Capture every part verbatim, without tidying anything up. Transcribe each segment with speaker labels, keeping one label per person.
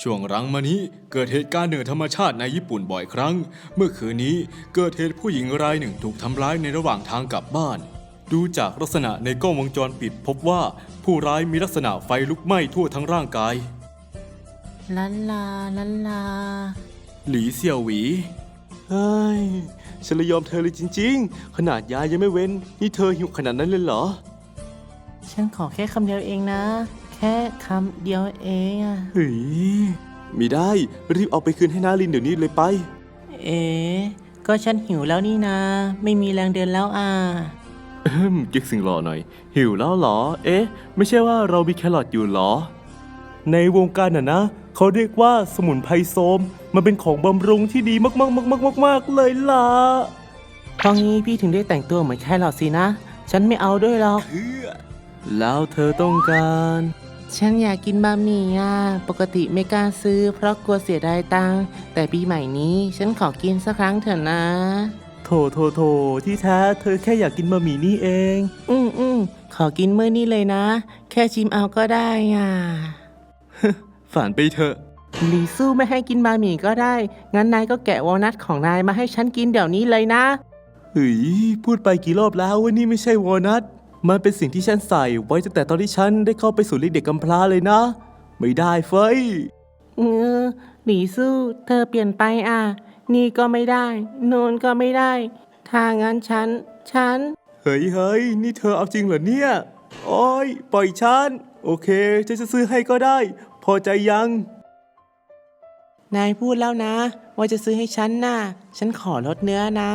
Speaker 1: ช่วงหลังมานี้เกิดเหตุการณ์เหนือธรรมชาติในญี่ปุ่นบ่อยครั้งเมื่อคืนนี้เกิดเหตุผู้หญิงรายหนึ่งถูกทำร้ายในระหว่างทางกลับบ้านดูจากลักษณะในกล้องวงจรปิดพบว่าผู้ร้ายมีลักษณะไฟลุกไหม้ทั่วทั้งร่างกาย
Speaker 2: ลันลาลันลา
Speaker 1: หลีเสี่ยวหวีเฮ้ยฉันเลยยอมเธอเลยจริงๆขนาดยายังไม่เว้นนี่เธอหิวขนาดนั้นเลยเหรอ
Speaker 2: ฉันขอแค่คำเดียวเองนะแค่คำเดียวเองอะ
Speaker 1: เฮ้ยมีได้รีบเอาไปคืนให้นารินเดี๋ยวนี้เลยไป
Speaker 2: เอ๋ก็ฉันหิวแล้วนี่นาไม่มีแรงเดินแล้วอ่ะ
Speaker 1: เอิ่มกิ๊กสิงหล่อหน่อยหิวแล้วเหรอเอ๊ะไม่ใช่ว่าเรามีแครอทอยู่เหรอในวงการน่ะนะเขาเรียกว่าสมุนไพรโสมมันเป็นของบำรุงที่ดีมากๆๆๆๆเลยล่ะ
Speaker 2: เพราะงี้พี่ถึงได้แต่งตัวเหมือนแครอทสินะฉันไม่เอาด้วยหรอก
Speaker 1: แล้วเธอต้องการ
Speaker 2: ฉันอยากกินบะหมี่อ่ะปกติไม่กล้าซื้อเพราะกลัวเสียดายตังค์แต่ปีใหม่นี้ฉันขอกินสักครั้งเถอะนะ
Speaker 1: โถโถโถที่แท้เธอแค่อยากกินบะหมี่นี่เอง
Speaker 2: อืมอืมขอกินมื้อนี้เลยนะแค่ชิมเอาก็ได้อ่ะ
Speaker 1: ฝันไปเถอะ
Speaker 2: หลีสู้ไม่ให้กินบะหมี่ก็ได้งั้นนายก็แกะวอลนัทของนายมาให้ฉันกินเดี๋ยวนี้เลยนะ
Speaker 1: เฮ้ยพูดไปกี่รอบแล้วว่านี่ไม่ใช่วอลนัทมันเป็นสิ่งที่ฉันใส่ไว้ตั้งแต่ตอนที่ฉันได้เข้าไปสู่เลี้ยงเด็กกำพร้าเลยนะไม่ได้เฟย
Speaker 2: เออหลีสู้เธอเปลี่ยนไปอ่ะนี่ก็ไม่ได้โน่นก็ไม่ได้ถ้างั้นฉันฉัน
Speaker 1: เฮ้ยเฮ้ยนี่เธอเอาจริงเหรอเนี่ยโอ้ยปล่อยฉันโอเคฉันจะซื้อให้ก็ได้พอใจยัง
Speaker 2: นายพูดแล้วนะว่าจะซื้อให้ฉันน่ะฉันขอลดเนื้อนะ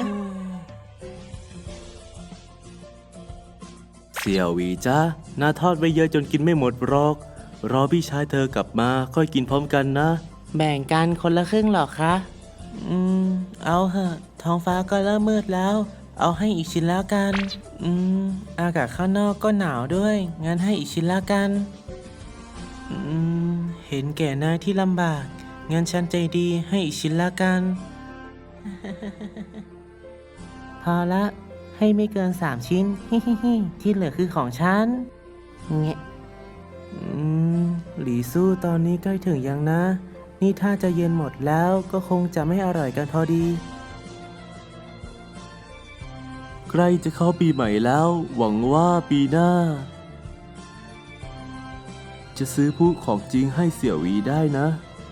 Speaker 1: เสี่ยวหวีจ้าน่าทอดไว้เยอะจนกินไม่หมดหรอกรอพี่ชายเธอกลับมาค่อยกินพร้อมกันนะ
Speaker 2: แบ่งกันคนละครึ่งหรอคะอืมเอาเหอะท้องฟ้าก็เริ่มมืดแล้วเอาให้อีกชิ้นแล้วกันอืมอากาศข้างนอกก็หนาวด้วยงั้นให้อีกชิ้นแล้วกันอืมเห็นแก่นายที่ลำบากงั้นฉันใจดีให้อีกชิ้นแล้วกัน พอละให้ไม่เกินสามชิ้น ที่เหลือคือของฉันเงี้ยอืมหลีสู้ตอนนี้ใกล้ถึงยังนะนี่ถ้าจะเย็นหมดแล้วก็คงจะไม่อร่อยกันพอดี
Speaker 1: ใกล้จะเข้าปีใหม่แล้วหวังว่าปีหน้าจะซื้อผู้ของจริงให้เสี่ยวหวีได้นะ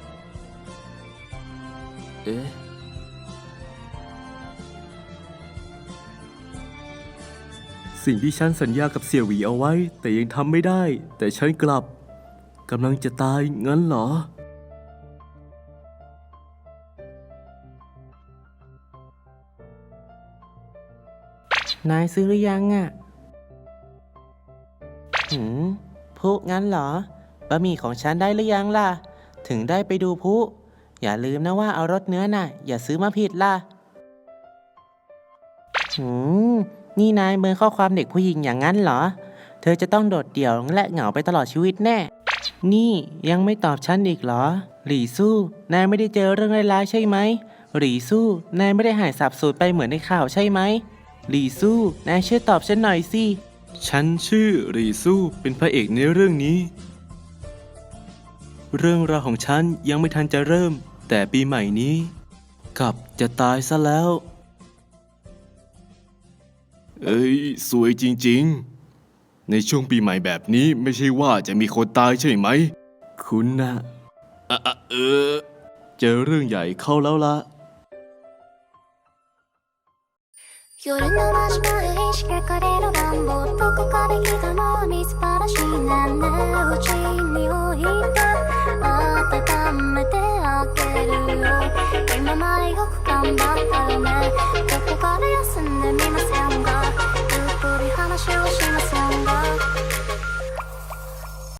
Speaker 1: เอ๊ะสิ่งที่ฉันสัญญากับเสี่ยวหวีเอาไว้แต่ยังทำไม่ได้แต่ฉันกลับกำลังจะตายงั้นเหร
Speaker 2: อนายซื้อหรือยังอ่ะหืมพลุงั้นเหรอบะหมี่ของฉันได้หรือยังล่ะถึงได้ไปดูพลุอย่าลืมนะว่าเอารสเนื้อน่ะอย่าซื้อมาผิดล่ะหืมนี่นายเมินข้อความเด็กผู้หญิงอย่างนั้นเหรอเธอจะต้องโดดเดี่ยวและเหงาไปตลอดชีวิตแน่นี่ยังไม่ตอบฉันอีกเหรอหลี่สู้นายไม่ได้เจอเรื่องร้ายๆใช่ไหมหลี่สู้นายไม่ได้หายสาบสูญไปเหมือนในข่าวใช่ไหมหลี่สู้นายช่วยตอบฉันหน่อยสิ
Speaker 1: ฉันชื่อหลี่สู้เป็นพระเอกในเรื่องนี้เรื่องราวของฉันยังไม่ทันจะเริ่มแต่ปีใหม่นี้กลับจะตายซะแล้วเอ้ยสวยจริงๆในช่วงปีใหม่แบบนี้ไม่ใช่ว่าจะมีคนตายใช่ไหมคุณนะอะอะเออเจอเรื่องใหญ่เข้าแล้วละ
Speaker 3: 夜の真島へ仕掛かれる願望どこかで来たもみすばらしいねんねうちに置いて温めてあげるよ今までよく頑張ったよねどこかで休んでみませんかゆっくり話をしません